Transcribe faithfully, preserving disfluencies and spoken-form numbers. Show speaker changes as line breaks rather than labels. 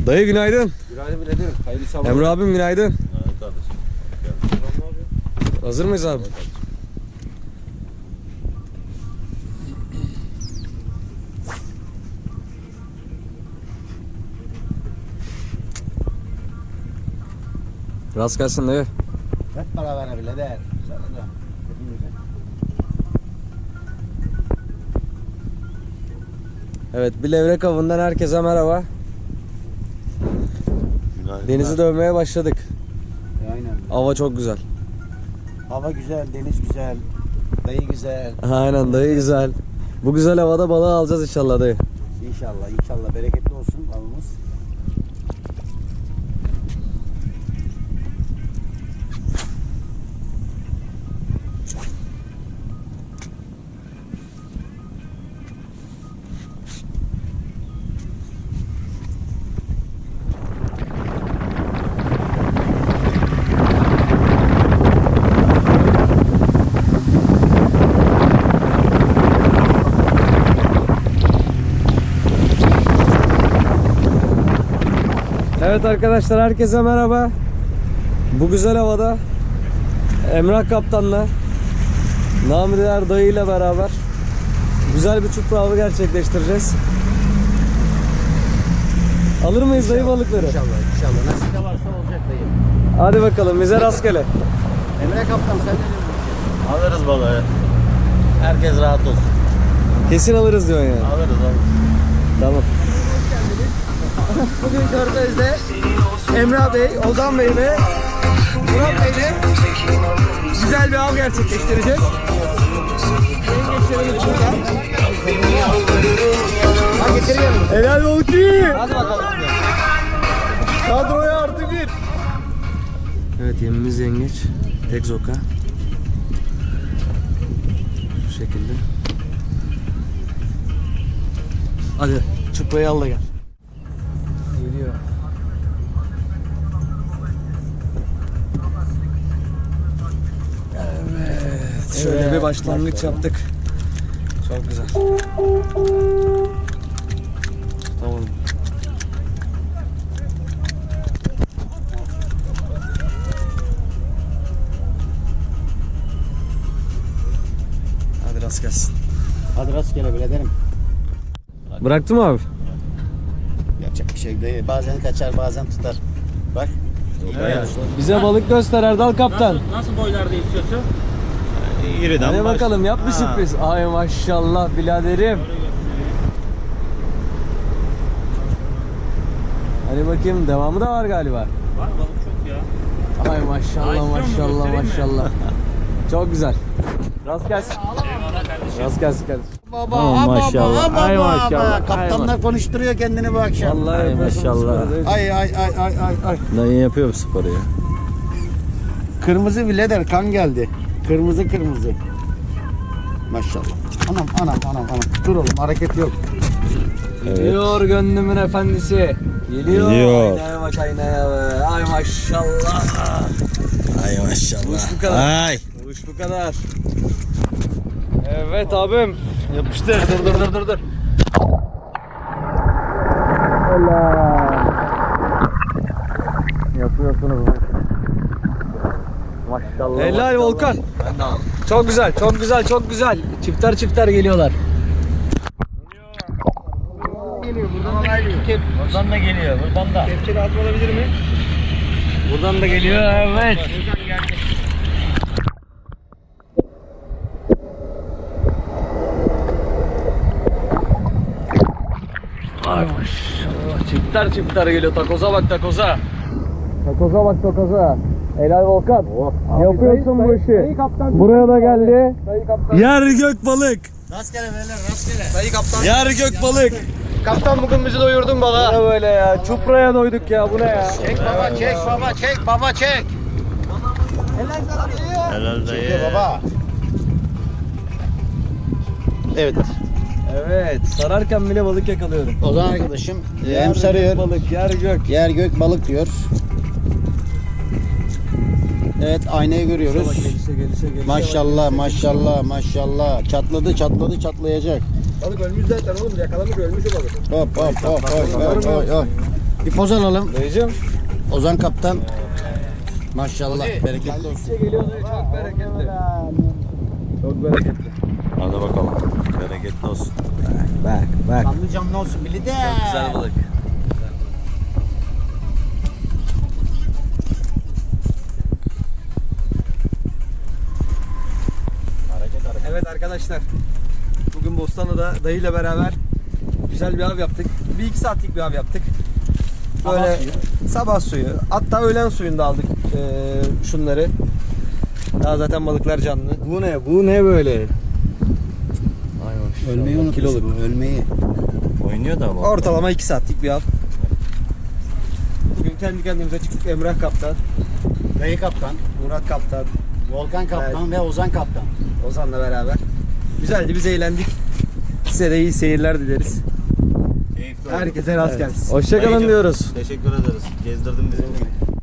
Dayı günaydın.
Günaydın birader. Hayırlı sabahlar.
Emre abim günaydın.
Günaydın kardeşim.
Hazır mıyız abi? Rast gelsin dayı.
Hep beraber birader. Sana da.
Evet, bir levrek avından herkese merhaba.
Günaydın.
Denizi dövmeye başladık.
Aynen.
Hava çok güzel.
Hava güzel, deniz güzel, dayı güzel.
Aynen dayı güzel. Bu güzel havada balığı alacağız inşallah dayı.
İnşallah, inşallah bereketli olsun avımız.
Evet arkadaşlar, herkese merhaba. Bu güzel havada Emrah Kaptan'la, namı değer dayı ile beraber güzel bir çupra avı gerçekleştireceğiz. Alır mıyız dayı balıkları?
İnşallah, inşallah. Nasip de varsa olacak dayı.
Hadi bakalım, bize rastgele.
Emre Kaptan sen ne diyorsun?
Alırız balığı. Herkes rahat olsun.
Kesin alırız diyorsun yani.
Alırız alırız.
Tamam.
Bugün Körfez'de Emrah Bey, Ozan Bey ve Murat Bey'le güzel bir av gerçekleştireceğiz. Yengeçlerimiz burada. Ha getireyim.
Helal olsun.
Hadi bakalım.
Kadroya artı bir. Evet, yemimiz yengeç. Tek zoka. Şu şekilde. Hadi çuprayı al da gel. Geliyor. Evet. Şöyle
Evet,
bir başlangıç
başlayalım.
yaptık. Çok güzel. Tamam. Hadi rast gelsin.
Hadi rastgele biraderim.
Bıraktın mı abi?
Yapacak bir şey değil. Bazen kaçar, bazen tutar. Bak.
Evet. Bize balık göster Erdal Kaptan.
Nasıl, nasıl boylarda istiyorsun?
İriden
Hadi bakalım, yap bir
Ha.
sürpriz. Ay maşallah biraderim. Hadi bakayım, devamı da var galiba.
Var balık çok ya.
Ay maşallah
Ay,
maşallah
istiyor musun? Göstereyim mi?
maşallah. Çok güzel. Rast gelsin.
Eyvallah kardeşim.
Rast gelsin kardeşim.
Baba,
Aman maşallah.
baba,
Ay
baba.
maşallah. Ay
Kaptanlar konuşturuyor kendini bu akşam.
Vallahi
Ay
yapıyorsun
maşallah.
sporu, değil mi?
Ay ay ay ay ay ay.
Dayı yapıyor bu sporu ya.
Kırmızı birader kan geldi. Kırmızı kırmızı. Maşallah. Anam anam anam anam. Dur oğlum, hareket yok.
Geliyor gönlümün efendisi. Geliyor.
Geliyor.
Aynaya bak aynaya be. Ay maşallah.
Ay maşallah.
Uç bu kadar.
Ay.
Uç bu kadar. Evet abim. Yapıştır. Dur dur dur dur dur.
Yapıyorsunuz.
Maşallah. Helal Volkan. Çok güzel, çok güzel, çok güzel. Çifter çifter geliyorlar.
Buradan da geliyor, buradan da.
Kepçe lazım olabilir mi? Buradan da geliyor, evet. Ay maşallah, çifter çifter geliyor. Takoza bak takoza. Takoza bak takoza. Helal Volkan. Yapıyorsun bu işi. Buraya da geldi. Yer gök balık.
Rastgele beyler, rastgele.
Dayı kaptan.
Yer gök balık.
Kaptan bugün bizi doyurdun balığa. Ne böyle ya? Çupraya doyduk ya. Bu ne ya?
Çek baba, çek baba, çek baba, çek.
Helal
Çek
dayı.
baba. Evet.
Evet. Sararken bile balık yakalıyorum.
O zaman arkadaşım
Yer
hem sarıyor,
gök balık, yer gök.
yer gök balık diyor. Evet, aynayı görüyoruz.
Gelişe gelişe gelişe.
Maşallah, maşallah, maşallah. Çatladı, çatladı, çatlayacak.
Balık ölmüş zaten oğlum. Yakalamış ölmüş o balık.
Hop hop hop hop hop hop. Bir poz alalım.
Dayıcım.
Ozan kaptan. Maşallah. Bereketli olsun.
Geliyor dayı, çok bereketli. Çok bereketli.
Hadi bakalım. Bereketli olsun.
Bak bak. Kanlı canlı olsun bili de.
Güzel balık. Evet arkadaşlar, bugün Bostanlı'da dayıyla beraber güzel bir av yaptık. Bir iki saatlik bir av yaptık. Böyle
Sabah suyu.
sabah suyu, hatta öğlen suyunda aldık eee, şunları. Daha zaten balıklar canlı.
Bu ne? Bu ne böyle?
Ay maşallah.
Ölmeyi unutmuş
Kiloluk.
bu. Ölmeyi.
Oynuyor da ama.
Ortalama iki saatlik bir av. Bugün kendi kendimize çıktık. Emrah Kaptan,
Dayı kaptan.
Murat Kaptan,
Volkan kaptan ve Ozan kaptan.
Ozan'la beraber. Güzeldi, biz eğlendik. Size de iyi seyirler dileriz.
Keyifli oldu.
Herkese rast
Evet.
gelsin.
Hoşça kalın
Hoşçakalın
diyoruz.
diyoruz.
Teşekkür ederiz. Gezdirdin bizi.